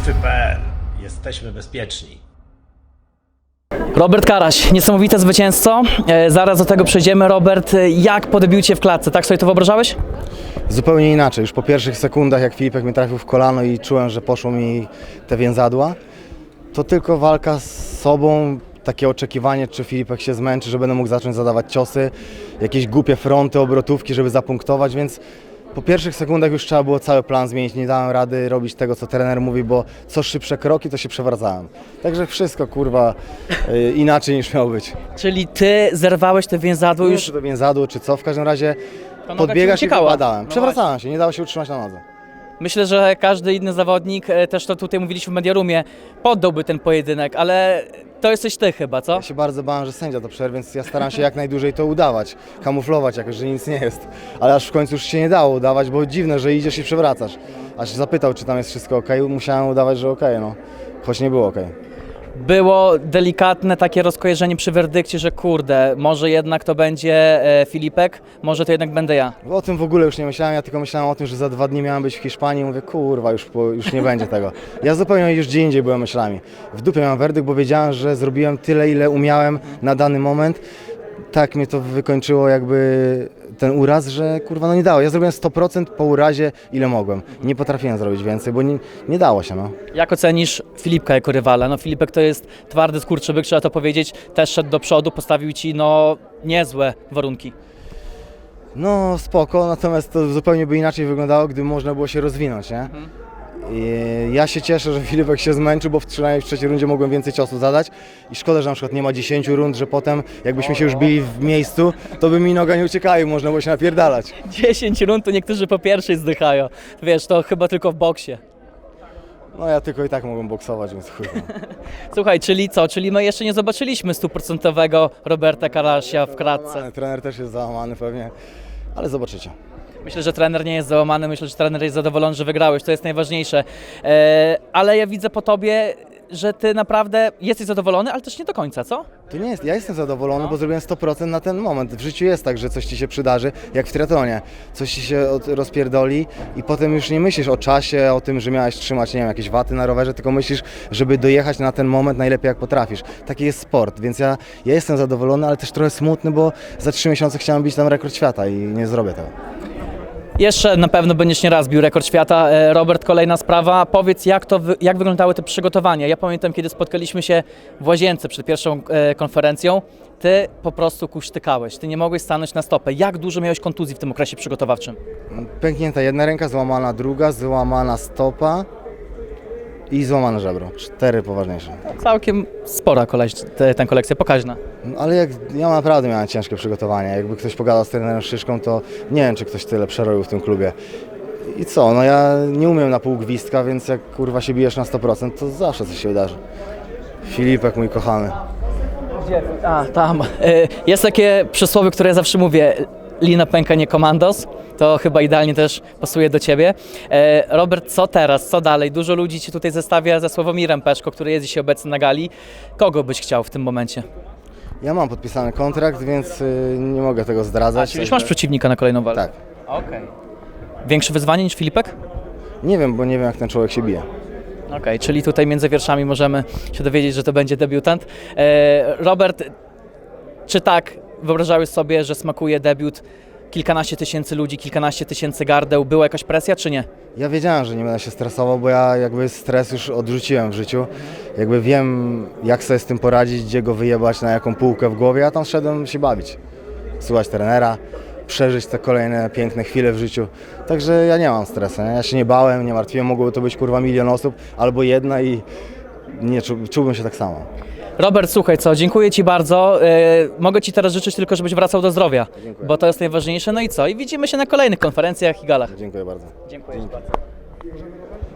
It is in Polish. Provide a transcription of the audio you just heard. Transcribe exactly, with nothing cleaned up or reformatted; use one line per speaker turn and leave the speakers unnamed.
Boxy kropka pe el. Jesteśmy bezpieczni.
Robert Karaś, niesamowite zwycięzco. E, zaraz do tego przejdziemy. Robert, jak po debiucie w klatce? Tak sobie to wyobrażałeś?
Zupełnie inaczej. Już po pierwszych sekundach, jak Filipek mnie trafił w kolano i czułem, że poszło mi te więzadła, to tylko walka z sobą, takie oczekiwanie, czy Filipek się zmęczy, że będę mógł zacząć zadawać ciosy, jakieś głupie fronty, obrotówki, żeby zapunktować, więc po pierwszych sekundach już trzeba było cały plan zmienić. Nie dałem rady robić tego, co trener mówi, bo co szybsze kroki, to się przewracałem. Także wszystko, kurwa, yy, inaczej niż miało być.
Czyli ty zerwałeś te więzadło
Nie
już...
wiem, czy to więzadło, czy co, w każdym razie
noga
podbiegać
ci
i
uciekała.
wypadałem.
No
Przewracałem się, nie dało się utrzymać na nodze.
Myślę, że każdy inny zawodnik, e, też to tutaj mówiliśmy w Mediarumie, poddałby ten pojedynek, ale to jesteś ty chyba, co?
Ja się bardzo bałem, że sędzia to przerwie, więc ja staram się jak najdłużej to udawać, kamuflować jakoś, że nic nie jest. Ale aż w końcu już się nie dało udawać, bo dziwne, że idziesz i przewracasz. Aż zapytał, czy tam jest wszystko ok, musiałem udawać, że ok, no. Choć nie było ok.
Było delikatne takie rozkojarzenie przy werdykcie, że kurde, może jednak to będzie e, Filipek, może to jednak będę ja.
O tym w ogóle już nie myślałem, ja tylko myślałem o tym, że za dwa dni miałem być w Hiszpanii i mówię, kurwa, już, po, już nie będzie tego. Ja zupełnie już gdzie indziej byłem myślami. W dupie miałem werdykt, bo wiedziałem, że zrobiłem tyle, ile umiałem na dany moment. Tak mnie to wykończyło jakby ten uraz, że kurwa no nie dało. Ja zrobiłem sto procent po urazie, ile mogłem. Nie potrafiłem zrobić więcej, bo nie, nie dało się, no.
Jak ocenisz Filipka jako rywala? No Filipek to jest twardy skurczybyk, trzeba to powiedzieć, też szedł do przodu, postawił ci no niezłe warunki.
No spoko, natomiast to zupełnie by inaczej wyglądało, gdyby można było się rozwinąć, nie? I ja się cieszę, że Filipek się zmęczył, bo w przynajmniej w trzeciej rundzie mogłem więcej ciosów zadać i szkoda, że na przykład nie ma dziesięciu rund, że potem jakbyśmy się już bili w miejscu, to by mi noga nie uciekała i można było się napierdalać.
dziesięć rund to niektórzy po pierwszej zdychają. Wiesz, to chyba tylko w boksie.
No ja tylko i tak mogłem boksować, więc chuj. No.
Słuchaj, czyli co? Czyli my jeszcze nie zobaczyliśmy stuprocentowego Roberta Karasia w klatce.
Trener też jest załamany pewnie, ale zobaczycie.
Myślę, że trener nie jest załamany, myślę, że trener jest zadowolony, że wygrałeś, to jest najważniejsze. E, ale ja widzę po tobie, że ty naprawdę jesteś zadowolony, ale też nie do końca, co?
To nie jest, ja jestem zadowolony, bo zrobiłem sto procent na ten moment. W życiu jest tak, że coś ci się przydarzy, jak w triatlonie. Coś ci się od, rozpierdoli i potem już nie myślisz o czasie, o tym, że miałeś trzymać, nie wiem, jakieś waty na rowerze, tylko myślisz, żeby dojechać na ten moment najlepiej jak potrafisz. Taki jest sport, więc ja, ja jestem zadowolony, ale też trochę smutny, bo za trzy miesiące chciałem bić tam rekord świata i nie zrobię tego.
Jeszcze na pewno będziesz nie raz bił rekord świata. E, Robert, kolejna sprawa. Powiedz, jak, to wy, jak wyglądały te przygotowania? Ja pamiętam, kiedy spotkaliśmy się w łazience przed pierwszą e, konferencją, ty po prostu kuśtykałeś, ty nie mogłeś stanąć na stopę. Jak dużo miałeś kontuzji w tym okresie przygotowawczym?
Pęknięta jedna ręka, złamana druga, złamana stopa i złamane żebro. Cztery poważniejsze.
Całkiem spora koleś, te, ta kolekcja, pokaźna.
No, ale jak, ja naprawdę miałem ciężkie przygotowanie. Jakby ktoś pogadał z trenerem Szyszką, to nie wiem, czy ktoś tyle przerobił w tym klubie. I co, no ja nie umiem na pół gwizdka, więc jak kurwa się bijesz na sto procent, to zawsze coś się wydarzy. Filipek, mój kochany.
Gdzie? A, tam. E, jest takie przysłowie, które ja zawsze mówię. Lina pęka, nie komandos. To chyba idealnie też pasuje do ciebie. E, Robert, co teraz? Co dalej? Dużo ludzi ci tutaj zestawia ze Sławomirem Peszko, który jest dzisiaj obecny na gali. Kogo byś chciał w tym momencie?
Ja mam podpisany kontrakt, więc y, nie mogę tego zdradzać.
A, czyli już masz przeciwnika na kolejną walkę?
Tak.
Okej. Okay. Większe wyzwanie niż Filipek?
Nie wiem, bo nie wiem, jak ten człowiek się bije.
Okej, okay, czyli tutaj między wierszami możemy się dowiedzieć, że to będzie debiutant. E, Robert, czy tak wyobrażałeś sobie, że smakuje debiut? Kilkanaście tysięcy ludzi, kilkanaście tysięcy gardeł. Była jakaś presja, czy nie?
Ja wiedziałem, że nie będę się stresował, bo ja jakby stres już odrzuciłem w życiu. Jakby wiem, jak sobie z tym poradzić, gdzie go wyjebać, na jaką półkę w głowie. Ja tam szedłem się bawić, słuchać trenera, przeżyć te kolejne piękne chwile w życiu. Także ja nie mam stresu, nie? Ja się nie bałem, nie martwiłem, mogłoby to być kurwa milion osób albo jedna i nie czu, czułbym się tak samo.
Robert, słuchaj co, dziękuję ci bardzo. Yy, mogę ci teraz życzyć tylko, żebyś wracał do zdrowia,
Dziękuję.
bo to jest najważniejsze. No i co? I widzimy się na kolejnych konferencjach i galach.
Dziękuję bardzo.
Dziękuję ci bardzo.